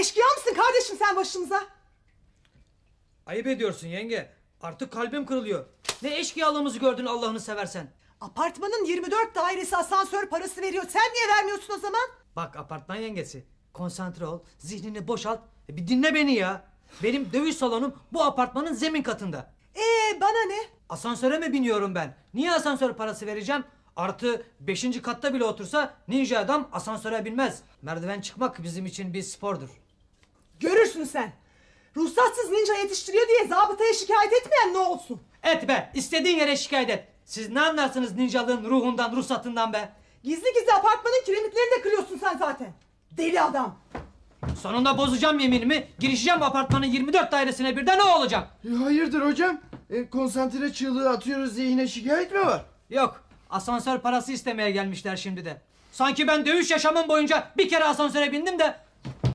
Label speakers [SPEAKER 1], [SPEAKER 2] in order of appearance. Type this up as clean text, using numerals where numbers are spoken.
[SPEAKER 1] Eşkıya mısın kardeşim sen başımıza?
[SPEAKER 2] Ayıp ediyorsun yenge. Artık kalbim kırılıyor. Ne eşkıyalığımızı gördün Allah'ını seversen.
[SPEAKER 1] Apartmanın 24 dairesi asansör parası veriyor. Sen niye vermiyorsun o zaman?
[SPEAKER 2] Bak apartman yengesi. Konsantre ol. Zihnini boşalt. Bir dinle beni ya. Benim dövüş salonum bu apartmanın zemin katında.
[SPEAKER 1] Bana ne?
[SPEAKER 2] Asansöre mi biniyorum ben? Niye asansör parası vereceğim? Artı 5. katta bile otursa ninja adam asansöre binmez. Merdiven çıkmak bizim için bir spordur.
[SPEAKER 1] Görürsün sen. Ruhsatsız ninja yetiştiriyor diye zabıtaya şikayet etmeyen ne olsun?
[SPEAKER 2] Et be, istediğin yere şikayet et. Siz ne anlarsınız ninjalığın ruhundan, ruhsatından be?
[SPEAKER 1] Gizli gizli apartmanın kiremitlerini de kırıyorsun sen zaten. Deli adam.
[SPEAKER 2] Sonunda bozacağım yeminimi, girişeceğim apartmanın 24 dairesine birden, ne olacak?
[SPEAKER 3] Hayırdır hocam? Konsantre çığlığı atıyoruz diye yine şikayet mi var?
[SPEAKER 2] Yok, asansör parası istemeye gelmişler şimdi de. Sanki ben dövüş yaşamım boyunca bir kere asansöre bindim de